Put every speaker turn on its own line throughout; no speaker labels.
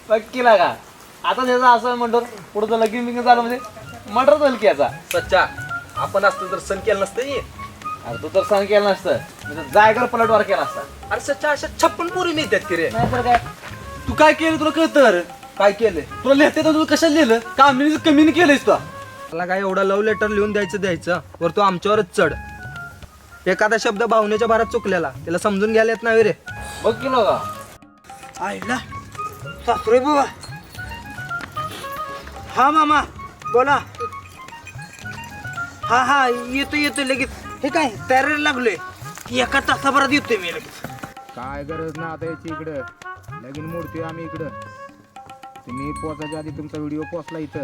पक्की लागा. आता त्याचं असं म्हणतो पुढचं लगीन बिगीन झालं म्हणजे मर्डर होईल की याचा.
सच्चा आपण असतो तर सण केलं नसतं ये.
अरे तू तर सण केलं नसतं म्हणजे जायगर पलटवार केला असता.
अरे सच्चा अशा 56 पोरी मिळतात की रे.
नाही तर काय.
तू काय केलं तुला कळतं अरे?
काय केलंय
तुला लिहिते तर तू कशाला लिहिलं कामिनी कमी केलंयस तू.
मला काय एवढा लव्ह लेटर लिहून द्यायचं वर तू आमच्यावरच चढ. एखादा शब्द भावनेच्या भारात चुकलेला त्याला समजून घ्यायला येत नाही रे.
बघ की लागा.
आईला सासरे बाबा. हा मामा बोला. हा हा येतो लगेच. हे काय तयारीला लागलोय. एका तासाभरात येतोय मी लगेच.
काय गरज ना आता याची इकडं लगीन मोडतोय आम्ही इकडं. तुम्ही पोचायच्या आधी तुमचा व्हिडिओ पोचला इथं.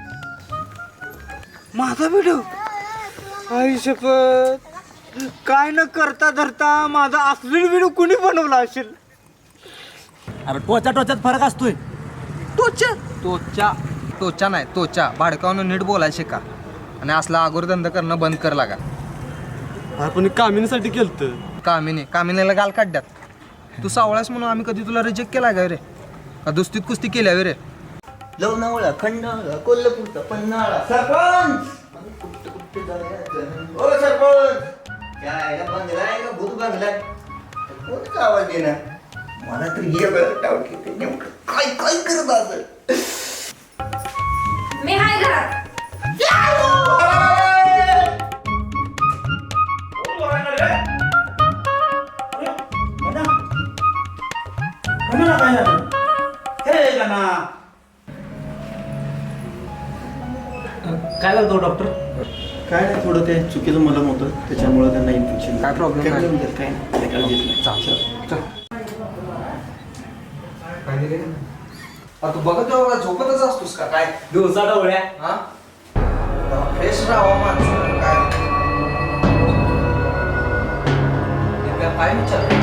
माझा व्हिडिओ आई शपथ. काय न करता धरता माझा असलेला व्हिडिओ कुणी बनवला असेल.
अरे टोचा टोच्यात फरक असतोय.
तोचा नाही तोचा भाडकावून नीट बोलायला शिका आणि असला आगोरधंदा करणं बंद कर लागा.
आपण कामिनीसाठी केलतं.
कामिनीला गाल काढ्यात. तू सावळास म्हणून आम्ही कधी तुला रिजेक्ट केला का रे? का दुस्तीत कुस्ती केल्या रे?
लोणावळा खंडाळा कोल्हापूरचा पन्हाळा. सरपंच कुठे जायचं ओ सरपंच. काय बंगला आहे का भूत बंगला आहे? कोणता आवाज देणार मला तर हे बरं डाऊट येते नेमकं काय काय करत असेल.
मी हाय घरात.
काय करतो डॉक्टर?
काय नाही थोडं ते चुकीचं मलम होतं त्याच्यामुळे त्यांना इन्फेक्शन.
काय प्रॉब्लेम नाही.
काय नाही काळजीच नाही.
तू बघत झोपतच असतोस का काय?
दिवसा डोळ्या.
हा फ्रेश राहावा माणूस काय विचार